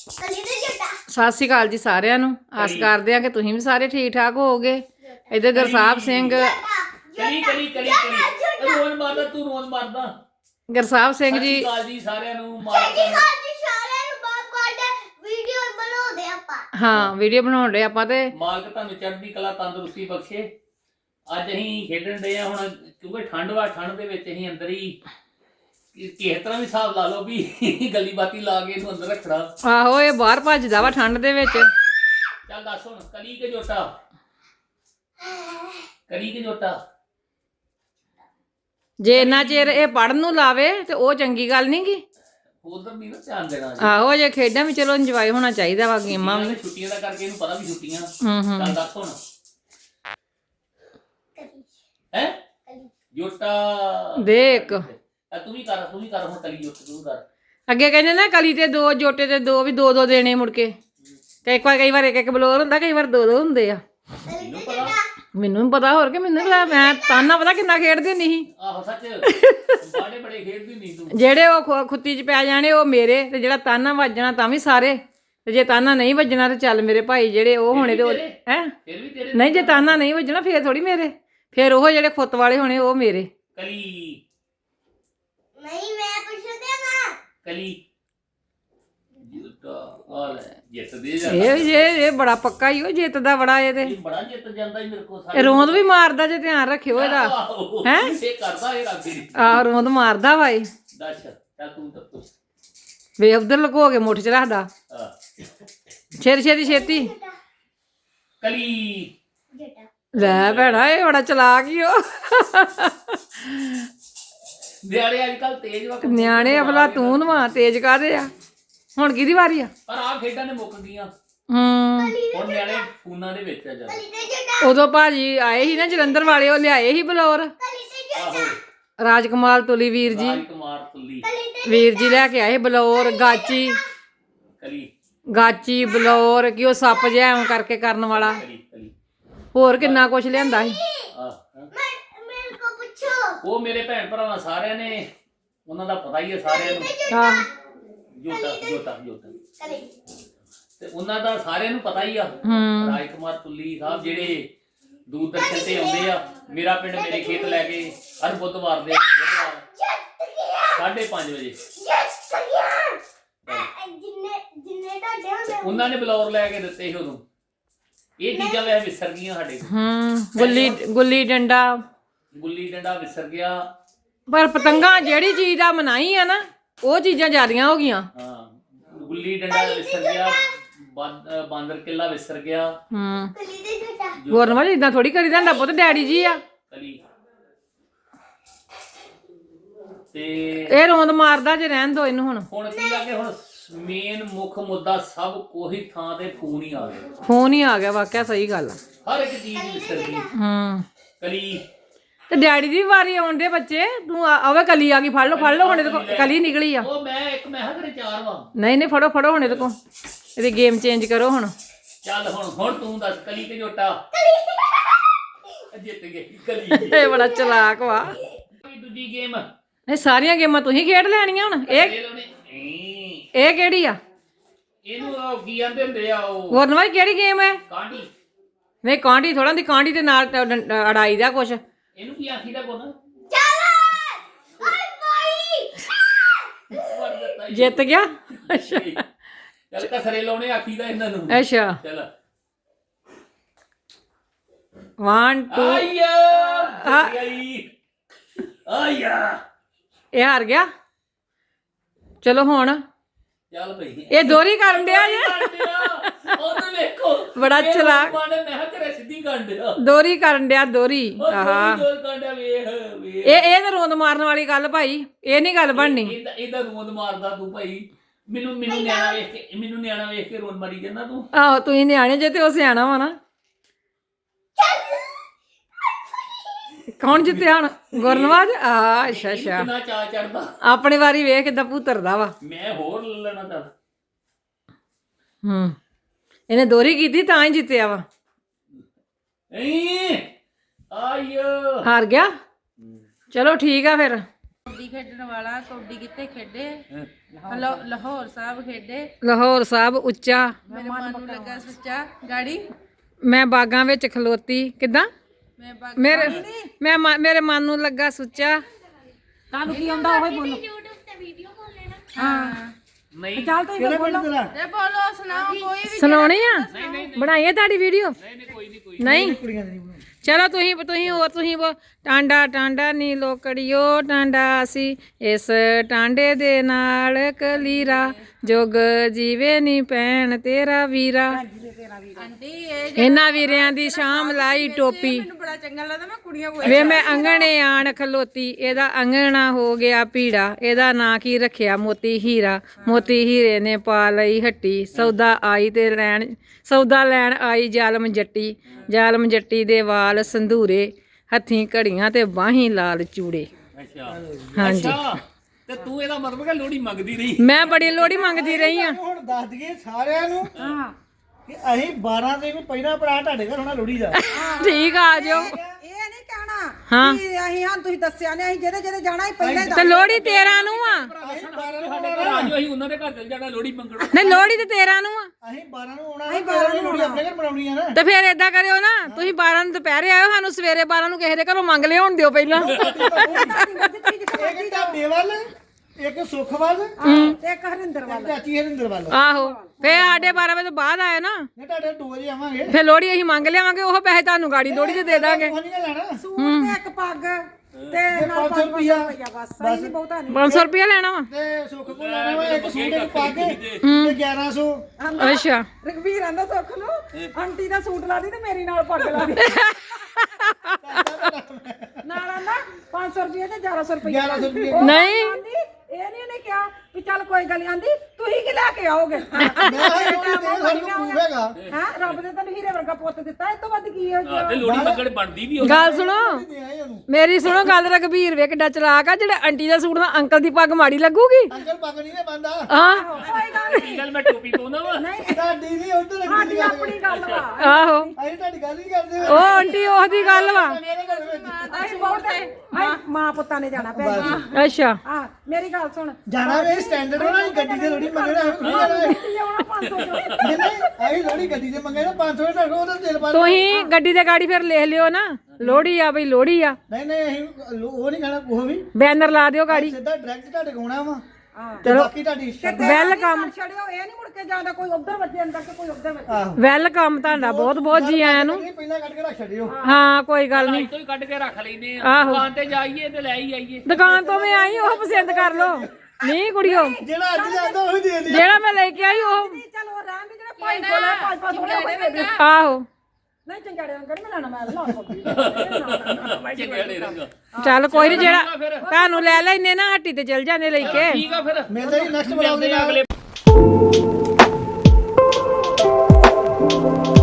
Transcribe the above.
ਸਤਿ ਸ਼੍ਰੀ ਅਕਾਲ ਜੀ ਸਾਰਿਆਂ ਨੂੰ। ਆਸ ਕਰਦੇ ਆ ਕਿ ਤੁਸੀਂ ਵੀ ਸਾਰੇ ਠੀਕ ਠਾਕ ਹੋਵੋਗੇ। ਇੱਧਰ ਗੁਰਸਾਹਿਬ ਸਿੰਘ ਰੋਣ ਮਾਰਦਾ ਤੂੰ ਰੋਣ ਮਾਰਦਾ। ਗੁਰਸਾਹਿਬ ਸਿੰਘ ਜੀ ਜੀ ਸਾਰਿਆਂ ਨੂੰ ਹਾਂ ਵੀਡੀਓ ਬਣਾਉਣ ਰਹੇ ਆਪਾਂ ਤੇ ਮਾਲਕ ਤੁਹਾਨੂੰ ਚੜ੍ਹਦੀ ਕਲਾ ਤੰਦਰੁਸਤੀ ਬਖਸ਼ੇ। ਅੱਜ ਅਸੀਂ ਖੇਡਣ ਦੇ ਆ ਹੁਣ ਕਿਉਂਕਿ ਠੰਡ ਦੇ ਵਿੱਚ ਅਸੀਂ ਅੰਦਰ ਹੀ ਕਿਸੇ ਤਰ੍ਹਾਂ ਵੀ ਹਿਸਾਬ ਲਾ ਲਓ ਵੀ ਗੱਲੀ ਬਾਤੀ ਲਾ ਕੇ ਇਹਨੂੰ ਅੰਦਰ ਰੱਖਣਾ। ਆਹੋ ਇਹ ਬਾਹਰ ਭੱਜਦਾ ਵਾ ਠੰਡ ਦੇ ਵਿੱਚ। ਚੱਲ ਦੱਸ ਹੁਣ ਕਲੀ ਕੇ ਜੋਟਾ ਜੇ ਇੰਨਾ ਚਿਰ ਇਹ ਪੜਨ ਨੂੰ ਲਾਵੇ ਤੇ ਉਹ ਚੰਗੀ ਗੱਲ ਨਹੀਂ ਗੀ। ਉਧਰ ਨਹੀਂ ਨਾ ਧਿਆਨ ਦੇਣਾ। ਆਹੋ ਜੇ ਖੇਡਾਂ ਵੀ ਚਲੋ ਇੰਜੋਏ ਹੋਣਾ ਚਾਹੀਦਾ ਵਾ, ਗੇਮਾਂ ਵੀ। ਛੁੱਟੀਆਂ ਦਾ ਕਰਕੇ ਇਹਨੂੰ ਪਤਾ ਵੀ ਛੁੱਟੀਆਂ। ਚੱਲ ਦੱਸ ਹੁਣ ਹੈ ਜੋਟਾ ਦੇਖ ਤੂੰ ਵੀ ਕਰ ਹੁਣ ਕਲੀ ਜੋਟਾ ਤੂੰ ਕਰ। ਅੱਗੇ ਕਹਿੰਦੇ ਨਾ ਕਲੀ ਤੇ ਦੋ ਜੋਟੇ ਤੇ ਦੋ ਵੀ ਦੋ ਦੇਣੇ ਮੁੜ ਕੇ। ਤੇ ਕਈ ਵਾਰ ਇੱਕ ਬਲੋਰ ਹੁੰਦਾ, ਕਈ ਵਾਰ ਦੋ ਹੁੰਦੇ ਆ। ਮੈਨੂੰ ਪਤਾ ਹੋਰ ਕਿ ਮੈਨੂੰ ਪਤਾ। ਮੈਂ ਤਾਨਾ ਪਤਾ ਕਿੰਨਾ ਖੇਡਦੀ ਹੁੰਦੀ ਸੀ। ਆਹੋ ਸੱਚ ਬੜੇ ਖੇਡਦੀ ਨਹੀਂ ਤੂੰ। ਜਿਹੜੇ ਉਹ ਖੁੱਤੀ 'ਚ ਪੈ ਜਾਣੇ ਉਹ ਮੇਰੇ, ਤੇ ਜਿਹੜਾ ਤਾਨਾ ਵੱਜਣਾ ਤਾਂ ਵੀ ਸਾਰੇ। ਤੇ ਜੇ ਤਾਨਾ ਨਹੀਂ ਵੱਜਣਾ ਤੇ ਚੱਲ ਮੇਰੇ ਭਾਈ ਜਿਹੜੇ ਉਹ ਹੋਣੇ ਤੇ ਹੈ ਨਹੀਂ। ਜੇ ਤਾਨਾ ਨਹੀਂ ਵੱਜਣਾ ਫੇਰ ਥੋੜੀ ਮੇਰੇ, ਫੇਰ ਉਹ ਜਿਹੜੇ ਖੁੱਤ ਵਾਲੇ ਹੋਣੇ ਉਹ ਮੇਰੇ। ਕਲੀ ਨਹੀਂ ਮੈਂ ਪੁੱਛਦੇ ਨਾ ਕਲੀ ਜੋਟਾ ਜਿੱਤ ਦੇ ਇਹ ਬੜਾ ਪੱਕਾ ਹੀ ਉਹ ਜਿੱਤਦਾ ਬੜਾ। ਇਹ ਤੇ ਬੜਾ ਜਿੱਤ ਜਾਂਦਾ ਹੀ ਮੇਰੇ ਕੋਲ। ਇਹ ਰੋਂਦ ਵੀ ਮਾਰਦਾ ਜੇ ਧਿਆਨ ਰੱਖਿਓ ਇਹਦਾ। ਹੈ ਇਹ ਕਰਦਾ ਇਹ ਰਾਬੀ ਆਹ ਰੋਂਦ ਮਾਰਦਾ ਵਾ ਇਹ। ਦੱਸ ਚੱਲ ਤੂੰ ਤਾਂ ਪੁੱਛ ਵੇ ਉਧਰ ਲੁਕੋ ਕੇ ਮੁੱਠ 'ਚ ਰੱਖਦਾ। ਛੇਤੀ ਕਲੀ ਲੈ ਭੈਣਾ ਇਹ ਬੜਾ ਚਲਾਕ ਹੀ ਉਹ। ਨਿਆਣੇ ਅੱਜ ਕੱਲ ਤੇਜ਼ ਵਕਤ ਨਿਆਣੇ ਅਫਲਾ ਤੂੰ ਨਵਾ ਤੇਜ਼ ਕਾਹਦੇ ਆ। ਹੁਣ ਕਿਹਦੀ ਵਾਰੀ ਆ? ਪਰ ਆਹ ਖੇਡਾਂ ਨੇ ਮੁੱਕ ਗਈਆਂ। ਹੁਣ ਨਿਆਣੇ ਫੋਨਾਂ ਦੇ ਵਿੱਚ ਆ ਜਾਂਦੇ। ਉਦੋਂ ਭਾਜੀ ਆਏ ਸੀ ਨਾ ਜਲੰਧਰ ਵਾਲੇ, ਉਹ ਲਿਆਏ ਸੀ ਬਲੌਰ। ਰਾਜਕੁਮਾਰ ਤੁਲੀ ਵੀਰ ਜੀ ਵੀਰ ਜੀ ਲੈ ਕੇ ਆਏ ਬਲੌਰ। ਗਾਚੀ ਬਲੌਰ ਕਿ ਉਹ ਸੱਪ ਜਿਹਾ ਐਂ ਕਰਕੇ ਕਰਨ ਵਾਲਾ। ਹੋਰ ਕਿੰਨਾ ਕੁਛ ਲਿਆਂਦਾ ਸੀ। ਉਹ ਮੇਰੇ ਭੈਣ ਭਰਾਵਾਂ ਸਾਰਿਆਂ ਨੇ ਉਹਨਾਂ ਦਾ ਪਤਾ ਹੀ ਹੈ ਸਾਰਿਆਂ ਨੂੰ। ਜੋਟਾ ਤੇ ਉਹਨਾਂ ਦਾ ਸਾਰਿਆਂ ਨੂੰ ਪਤਾ ਹੀ ਆ। ਰਾਜਕੁਮਾਰ ਤੁੱਲੀ ਸਾਹਿਬ ਜਿਹੜੇ ਦੂਰਦਰਸ਼ਨ ਤੇ ਆਉਂਦੇ ਆ। ਮੇਰਾ ਪਿੰਡ ਮੇਰੇ ਖੇਤ ਲੈ ਕੇ ਹਰ ਬੁੱਧਵਾਰ 5:30 ਵਜੇ ਉਹਨਾਂ ਨੇ ਬਲੌਰ ਲੈ ਕੇ ਦਿੱਤੇ ਸੀ ਉਦੋਂ। ਇਹ ਚੀਜ਼ਾਂ ਵੈਸੇ ਵਿਸਰ ਗਈਆਂ ਸਾਡੇ। ਗੁੱਲੀ ਡੰਡਾ ਵਿਸਰ ਗਿਆ। ਪਰ ਪਤੰਗਾਂ ਜਿਹੜੀ ਚੀਜ਼ ਦਾ ਮਨਾਈ ਆ ਨਾ ਉਹ ਚੀਜ਼ਾਂ ਜ਼ਿਆਦੀਆਂ ਹੋ ਗਈਆਂ। ਹਾਂ ਗੁੱਲੀ ਡੰਡਾ ਵਿਸਰ ਗਿਆ। ਬਾਂਦਰ ਕਿੱਲਾ ਵਿਸਰ ਗਿਆ। ਗੁਰਨਵਾਲ ਇਦਾਂ ਥੋੜੀ ਕਰੀਦਾ ਹੁੰਦਾ ਪੁੱਤ, ਡੈਡੀ ਜੀ ਆ। ਤੇ ਇਹ ਰੋਂਦ ਮਾਰਦਾ ਜੇ ਰਹਿਣ ਦੋ ਇਹਨੂੰ। ਹੁਣ ਕੀ ਆ ਕਿ ਹੁਣ ਮੇਨ ਮੁੱਖ ਮੁੱਦਾ ਸਭ ਕੋਈ ਥਾਂ ਤੇ ਫੋਨ ਹੀ ਆ ਗਿਆ। ਵਾਕਿਆ ਸਹੀ ਗੱਲ ਆ। ਹਰ ਇੱਕ ਚੀਜ਼ ਵਿਸਰ ਗਈ। ਕਲੀ ਤੇ ਡੈਡੀ ਦੀ ਵਾਰੀ ਆਉਣ ਦੇ ਬੱਚੇ। ਤੂੰ ਆਵੇ ਕਲੀ ਆ ਗਈ, ਫੜ ਲਓ ਹੁਣ ਇਹਦੇ ਕੋਲ ਕਲੀ ਨਿਕਲੀ ਆ। ਉਹ ਮੈਂ ਘਰੇ 4 ਵਾ। ਨਹੀਂ ਫੜੋ ਹੁਣ ਇਹਦੇ ਕੋਲ। ਇਹਦੀ ਗੇਮ ਚੇਂਜ ਕਰੋ ਹੁਣ। ਚੱਲ ਹੁਣ ਤੂੰ ਦੱਸ ਕਲੀ ਤੇ ਜੋਟਾ ਜਿੱਤ ਗਈ ਕਲੀ। ਇਹ ਬੜਾ ਚਲਾਕ ਵਾ। ਦੂਜੀ ਗੇਮ ਇਹ ਸਾਰੀਆਂ ਗੇਮਾਂ ਤੁਸੀਂ ਖੇਡ ਲੈਣੀਆਂ ਹੁਣ। ਇਹ ਕਿਹੜੀ ਆ? ਇਹਨੂੰ ਕੀ ਕਹਿੰਦੇ ਹੁੰਦੇ ਆ ਉਹ ਗੁਰਨਵਾਲ ਕਿਹੜੀ ਗੇਮ ਹੈ? ਕਾਂਡੀ। ਨਹੀਂ ਕਾਂਡੀ ਥੋੜਾ ਦੀ ਕਾਂਡੀ ਦੇ ਨਾਲ ਅੜਾਈ ਦਾ ਕੁਛ। ਇਹਨੂੰ ਕੀ ਆਖੀਦਾ ਕੋਨਾ? ਜਿੱਤ ਗਿਆ। ਅੱਛਾ ਚੱਲ ਕਸਰੇ ਲਾਉਣੇ ਆਖੀਦਾ ਇਹਨਾਂ ਨੂੰ। ਅੱਛਾ ਚੱਲ 1 2 ਇਹ ਹਾਰ ਗਿਆ। ਚਲੋ ਹੁਣ ਚੱਲ ਭਈ ਇਹ ਦੋਰੀ ਕਰਨ ਡਿਆ ਜੇ। ਉਹਨੂੰ ਵੇਖੋ ਬੜਾ ਚਲਾਕ। ਮੈਂ ਘਰੇ ਸਿੱਧੀ ਕਰਨ ਡਿਆ। ਦੋਰੀ ਕਰਨ ਡਿਆ ਦੋਰੀ। ਆਹਾ ਇਹ ਤਾਂ ਰੋਂਦ ਮਾਰਨ ਵਾਲੀ ਗੱਲ ਭਾਈ। ਇਹ ਨਹੀਂ ਗੱਲ ਬਣਨੀ। ਇਹਦਾ ਰੋਂਦ ਮਾਰਦਾ ਤੂੰ ਭਾਈ। ਮੈਨੂੰ ਨਿਆਣਾ ਵੇਖ ਕੇ ਰੋਣ ਮਾਰੀ ਜਾਂਦਾ ਤੂੰ। ਆਹੋ ਤੁਸੀਂ ਨਿਆਣੇ ਜੇ ਤੇ ਉਹ ਸਿਆਣਾ ਵਾ ਨਾ। ਕੌਣ ਜਿੱਤਿਆ ਹੁਣ? ਗੁਰਨਵਾਜ। ਅੱਛਾ ਕਿੰਨਾ ਚਾਅ ਚੜਦਾ। ਆਪਣੀ ਵਾਰੀ ਵੇਖ ਕਿੱਦਾਂ ਭੂਤਰਦਾ ਵਾ। ਮੈਂ ਹੋਰ ਲੈਣਾ ਚੱਲ। ਇਹਨੇ ਦੋਰੀ ਕੀਤੀ ਤਾਂ ਹੀ ਜਿੱਤਿਆ ਵਾ। ਆਇਓ ਹਾਰ ਗਿਆ। ਚਲੋ ਠੀਕ ਆ ਫਿਰ। ਕਬੱਡੀ ਖੇਡਣ ਵਾਲਾ ਕਬੱਡੀ ਕਿੱਥੇ ਖੇਡੇ ਲਾਹੌਰ ਸਾਹਿਬ ਖੇਡੇ ਲਾਹੌਰ ਸਾਹਿਬ ਉੱਚਾ ਮੇਰੇ ਮਨ ਨੂੰ ਲੱਗਾ ਸੱਚਾ ਗਾੜੀ ਮੈਂ ਬਾਗਾਂ ਵਿੱਚ ਖਲੋਤੀ ਕਿਦਾਂ ਮੈਂ ਬਾਗ ਮੇਰੇ ਮਨ ਨੂੰ ਲੱਗਾ ਸੁੱਚਾ ਤੁਹਾਨੂੰ ਕੀ ਆਉਂਦਾ ਉਹ ਬੋਲੋ YouTube ਤੇ ਵੀਡੀਓ ਕਾਲ ਲੈਣਾ ਹਾਂ ਨਹੀਂ ਚੱਲ ਤੁਸੀਂ ਫਿਰ ਬੋਲੋ ਤੇ ਬੋਲੋ ਸੁਣਾਓ ਕੋਈ ਵੀ ਸੁਣਾਉਣੀ ਆ ਬਣਾਈਏ ਤੁਹਾਡੀ ਵੀਡੀਓ ਕੋਈ ਨਹੀਂ ਨਹੀਂ ਕੁੜੀਆਂ ਦੀ ਨਹੀਂ ਚਲੋ ਤੁਸੀਂ ਉਹ ਟਾਂਡਾ ਟਾਂਡਾ ਨੀ ਲੋਕੜੀਓ ਟਾਂਡਾ ਸੀ ਇਸ ਟਾਂਡੇ ਦੇ ਨਾਲ ਕਲੀਰਾ ਜੁਗ ਜੀਵੇ ਨੀ ਭੈਣ ਤੇਰਾ ਵੀਰਾ ਆਂਟੀ ਇਹ ਇਹਨਾਂ ਵੀਰਿਆਂ ਦੀ ਸ਼ਾਮ ਲਾਈ ਟੋਪੀ ਮੈਨੂੰ ਬੜਾ ਚੰਗਾ ਲੱਗਦਾ ਮੈਂ ਕੁੜੀਆਂ ਕੋਲ ਵੇ ਮੈਂ ਅੰਗਣੇ ਆਣ ਖਲੋਤੀ ਇਹਦਾ ਅੰਗਣਾ ਹੋ ਗਿਆ ਪੀੜਾ ਇਹਦਾ ਨਾਂ ਕੀ ਰੱਖਿਆ ਮੋਤੀ ਹੀਰਾ ਮੋਤੀ ਹੀਰੇ ਨੇ ਪਾ ਲਈ ਹੱਟੀ ਸੌਦਾ ਲੈਣ ਆਈ ਜ਼ਾਲਮ ਜੱਟੀ ਦੇ ਵਾਲ ਸੰਧੂਰੇ ਹੱਥੀਂ ਘੜੀਆਂ ਤੇ ਬਾਹੀਂ ਲਾਲ ਚੂੜੇ ਅੱਛਾ ਹਾਂਜੀ ਅੱਛਾ ਤੇ ਤੂੰ ਇਹਦਾ ਮਤਲਬ ਕਿ ਲੋੜੀ ਮੰਗਦੀ ਰਹੀ ਮੈਂ ਬੜੀ ਲੋੜੀ ਮੰਗਦੀ ਰਹੀ ਆ ਹੁਣ ਦੱਸ ਦਈਏ ਸਾਰਿਆਂ ਨੂੰ ਹਾਂ ਕਿ ਅਸੀਂ 12 ਦੇ ਵੀ ਪਹਿਲਾਂ ਭਰਾ ਤੁਹਾਡੇ ਘਰ ਹੋਣਾ ਲੋਹੜੀ ਦਾ ਠੀਕ ਆ ਜਾਓ ਇਹ ਨਹੀਂ ਕਹਿਣਾ ਹਾਂ। ਕਿ ਅਸੀਂ ਹਾਂ ਤੁਸੀਂ ਦੱਸਿਆ ਨੇ ਅਸੀਂ ਜਿਹਦੇ ਜਾਣਾ ਹੀ ਪਹਿਲਾਂ ਹੀ ਤੇ ਲੋੜੀ 13 ਨੂੰ ਆ ਅਸੀਂ 12 ਨੂੰ ਸਾਡੇ ਘਰ ਆ ਜਾਓ ਅਸੀਂ ਉਹਨਾਂ ਦੇ ਘਰ ਚਲ ਜਾਣਾ ਲੋੜੀ ਮੰਗਣ ਨਹੀਂ ਲੋੜੀ ਤੇ 13 ਨੂੰ ਆ ਅਸੀਂ 12 ਨੂੰ ਆਉਣਾ ਅਸੀਂ 12 ਨੂੰ ਲੋਹੜੀ ਆਪਣੇ ਘਰ ਮਨਾਉਣੀ ਆ ਨਾ ਤੇ ਫਿਰ ਏਦਾਂ ਕਰਿਓ ਨਾ ਤੁਸੀਂ 12 ਨੂੰ ਦੁਪਹਿਰੇ ਆਇਓ ਸਾਨੂੰ ਸਵੇਰੇ 12 ਨੂੰ ਕਿਸੇ ਦੇ ਘਰੋਂ ਮੰਗ ਲਿਆਉਣ ਦਿਓ ਪਹਿਲਾਂ ਇੱਕ ਢਾਬੇ ਵੱਲ ਇੱਕ ਸੁੱਖ ਵੱਲ ਤੇ ਇੱਕ ਹਰਿੰਦਰ ਇੱਕ ਵਾਲਾ ਚਾਚੀ ਹਰਿੰਦਰ ਵੱਲ ਆਹੋ ਫੇ ਸਾਡੇ 12 ਵਜੇ ਤੋਂ ਬਾਅਦ ਆਏ ਨਾ ਨੇ ਤੁਹਾਡੇ 2 ਵਜੇ ਆਵਾਂਗੇ ਫੇ ਲੋੜੀ ਅਸੀਂ ਮੰਗ ਲਿਆਵਾਂਗੇ ਉਹ ਪੈਸੇ ਤੁਹਾਨੂੰ ਗਾੜੀ ਲੋੜੀ ਤੇ ਦੇ ਦਾਂਗੇ ਕੁਝ ਨਹੀਂ ਲੈਣਾ ਸੂਟ ਤੇ ਇੱਕ ਪੱਗ ਤੇ ਨਾਲ 500 ਰੁਪਿਆ ਬਸ ਸਹੀ ਨਹੀਂ ਬਹੁਤਾ ਨਹੀਂ 500 ਰੁਪਇਆ ਲੈਣਾ ਵਾ ਤੇ ਸੁੱਖ ਕੋਲ ਲੈਣਾ ਵਾ ਇੱਕ ਸੂਟ ਇੱਕ ਪੱਗ ਤੇ 1100 ਅੱਛਾ ਰਘਵੀਰ ਆਂਦਾ ਸੁੱਖ ਨੂੰ ਆਂਟੀ ਦਾ ਸੂਟ ਲਾ ਦੀ ਤੇ ਮੇਰੀ ਨਾਲ ਪੱਗ ਲਾ ਦੀ ਨਾਲ ਆਂਦਾ 500 ਰੁਪਏ ਤੇ 1100 ਰੁਪਏ 1100 ਰੁਪਏ ਨਹੀਂ ਆਂਦੀ ਇਹ ਨਹੀਂ ਉਹਨੇ ਕਿਹਾ ਵੀ ਚੱਲ ਕੋਈ ਗੱਲ ਨੀ ਆਂਦੀ ਤੁਸੀਂ ਕੀ ਲੈ ਕੇ ਆਓਗੇ ਮੈਂ ਇਹ ਲੋਹੜੀ ਦੇ ਸਾਡੇ ਕੋਲ ਪ੍ਰੂਫ ਹੈਗਾ ਹਾਂ ਰੱਬ ਨੇ ਤੈਨੂੰ ਹੀਰੇ ਵਰਗਾ ਪੁੱਤ ਦਿੱਤਾ ਇਹ ਤੋਂ ਵੱਧ ਕੀ ਹੈ ਤੇ ਲੋੜੀ ਮੰਗਣ ਬਣਦੀ ਵੀ ਗੱਲ ਸੁਣੋ ਦੇ ਆਏ ਉਹਨੂੰ ਮੇਰੀ ਸੁਣੋ ਗੱਲ ਰਘਬੀਰ ਵੇ ਕਿੱਡਾ ਚਲਾਕ ਆ ਜਿਹੜੇ ਆਂਟੀ ਦਾ ਸੂਟ ਦਾ ਅੰਕਲ ਦੀ ਪੱਗ ਮਾੜੀ ਲੱਗੂਗੀ ਅੰਕਲ ਪੱਗ ਨਹੀਂ ਨੇ ਬੰਦਾ ਹਾਂ ਕੋਈ ਗੱਲ ਕੀ ਗੱਲ ਮੈਂ ਟੋਪੀ ਪਾਉਣਾ ਵਾ ਨਹੀਂ ਤੁਹਾਡੀ ਨਹੀਂ ਉਧਰ ਸਾਡੀ ਆਪਣੀ ਗੱਲ ਵਾ ਆਹੋ ਅਸੀਂ ਤੁਹਾਡੀ ਗੱਲ ਨਹੀਂ ਕਰਦੇ ਉਹ ਆਂਟੀ ਉਹਦੀ ਗੱਲ ਵਾ ਮੇਰੇ ਘਰ ਵਿੱਚ ਅਸੀਂ ਬਹੁਤ ਅਸੀਂ ਮਾਂ ਪੁੱਤਾਂ ਨੇ ਜਾਣਾ ਭੈਣ ਜੀ ਅੱਛਾ ਹਾਂ ਮੇਰੀ ਗੱਲ ਸੁਣ ਜਾਣਾ ਵੇ ਸਟੈਂਡਰਡ ਹੋਣਾ ਗੱਡੀ ਦੇ ਲੋੜੀ ਮੰਗਣਾ ਲਿਆਉਣਾ 500 ਨਹੀਂ ਅਸੀਂ ਲੋੜੀ ਗੱਡੀ ਦੇ ਮੰਗੇ ਨਾ 500 ਰੁਪਏ ਢੱਕੋ ਉਹਦਾ ਤੇਲ ਪਾ ਤੁਸੀਂ ਗੱਡੀ ਦੇ ਗਾੜੀ ਫਿਰ ਲਿਖ ਲਿਓ ਨਾ ਲੋੜੀ ਆ ਬਈ ਲੋੜੀ ਆ ਨਹੀਂ ਨਹੀਂ ਅਸੀਂ ਉਹ ਨਹੀਂ ਖਾਣਾ ਉਹ ਵੀ ਬੈਨਰ ਲਾ ਦਿਓ ਗਾੜੀ ਸਿੱਧਾ ਡਾਇਰੈਕਟ ਤੁਹਾਡੇ ਕੋਲ ਆਉਣਾ ਵਾ ਹਾਂ ਤੇ ਬਾਕੀ ਤੁਹਾਡੀ ਸ਼ਰਤ ਵੈਲਕਮ ਛੜਿਓ ਇਹ ਨਹੀਂ ਮੁੜ ਕੇ ਜਾਂਦਾ ਕੋਈ ਉਧਰ ਵੱਜੇ ਅੰਦਰ ਤੇ ਕੋਈ ਉਧਰ ਵੱਜੇ ਆਹੋ ਵੈਲਕਮ ਤੁਹਾਡਾ ਬਹੁਤ ਬਹੁਤ ਜੀ ਆਇਆਂ ਨੂੰ ਨਹੀਂ ਪਹਿਲਾਂ ਕੱਢ ਕੇ ਰੱਖ ਛੱਡਿਓ ਹਾਂ ਕੋਈ ਗੱਲ ਨਹੀਂ ਤੋਂ ਹੀ ਕੱਢ ਕੇ ਰੱਖ ਲੈਨੇ ਆ ਆਹੋ। ਦੁਕਾਨ ਤੇ ਜਾਈਏ ਤੇ ਲੈ ਹੀ ਆਈਏ ਦੁਕਾਨ ਤੋਂ ਮੈਂ ਆਈ ਉਹ ਪਸੰਦ ਕਰ ਲਓ ਨਹੀਂ ਕੁੜੀਓ ਜਿਹੜਾ ਅੱਜ ਜਾਂਦਾ ਉਹ ਹੀ ਦੇ ਦੇ ਜਿਹੜਾ ਮੈਂ ਲੈ ਕੇ ਆਈ ਉਹ ਨਹੀਂ ਚਲ ਉਹ ਰਹਿਣ ਦੇ ਜਿਹੜੇ ਭਾਈ ਕੋਲ ਹੈ 5-5 ਥੋੜੇ ਕੋਈ ਦੇ ਆਹੋ ਨਹੀਂ ਚੰਗਾੜੇ ਅੰਕਲ ਮੈਂ ਲੈਣਾ ਮੈਂ ਲਾਉਣਾ ਚੰਗੜੇ ਰੰਗ ਚੱਲ ਕੋਈ ਨਹੀਂ ਜਿਹੜਾ ਤੁਹਾਨੂੰ ਲੈ ਲੈਨੇ ਨਾ ਹੱਟੀ ਤੇ ਚਲ ਜਾਂਦੇ ਲੈ ਕੇ ਠੀਕ ਆ ਫਿਰ ਮਿਲਦੇ ਹੀ ਨੈਕਸਟ ਬਲੌਗ ਦੇ ਮਿਲਦੇ ਆ ਨਾਲ ਅਗਲੇ